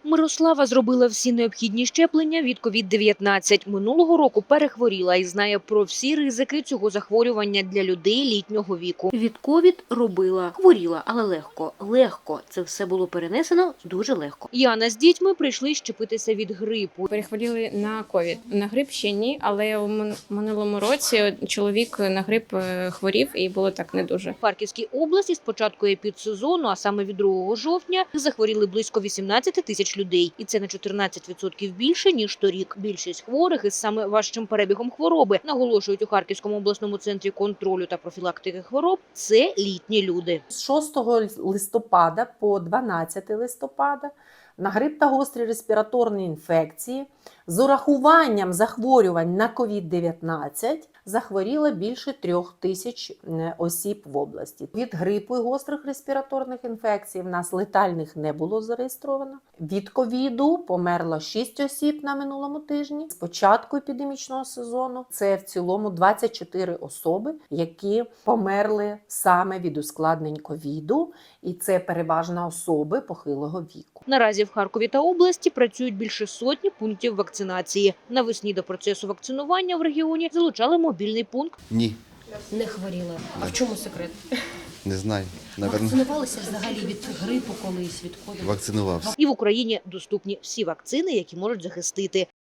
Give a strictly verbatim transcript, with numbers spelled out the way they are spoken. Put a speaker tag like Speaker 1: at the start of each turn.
Speaker 1: Мирослава зробила всі необхідні щеплення від ковід дев'ятнадцять. Минулого року перехворіла і знає про всі ризики цього захворювання для людей літнього віку. Від ковід робила, хворіла, але легко. Легко. Це все було перенесено дуже легко. Яна з дітьми прийшли щепитися від грипу.
Speaker 2: Перехворіли на ковід. На грип ще ні, але у мин- минулому році чоловік на грип е, хворів і було так не дуже.
Speaker 1: В Харківській області з початку епідсезону, а саме від другого жовтня, захворіли близько вісімнадцять тисяч людей. І це на чотирнадцять відсотків більше, ніж торік. Більшість хворих із саме важчим перебігом хвороби, наголошують у Харківському обласному центрі контролю та профілактики хвороб, це літні люди.
Speaker 3: З шостого листопада по дванадцяте листопада на грип та гострі респіраторні інфекції з урахуванням захворювань на ковід дев'ятнадцять захворіло більше трьох тисяч осіб в області. Від грипу і гострих респіраторних інфекцій в нас летальних не було зареєстровано. Від ковіду померло шість осіб на минулому тижні. З початку епідемічного сезону це в цілому двадцять чотири особи, які померли саме від ускладнень ковіду, і це переважно особи похилого віку.
Speaker 1: Наразі в Харкові та області працюють більше сотні пунктів вакцинації. Навесні до процесу вакцинування в регіоні залучали мобільний пункт.
Speaker 4: Ні,
Speaker 5: Не хворіли. А в чому секрет?
Speaker 4: не знаю. Наверно,
Speaker 5: Вакцинувалися взагалі від грипу колись, від ковіду?
Speaker 4: вакцинувався.
Speaker 1: І в Україні доступні всі вакцини, які можуть захистити.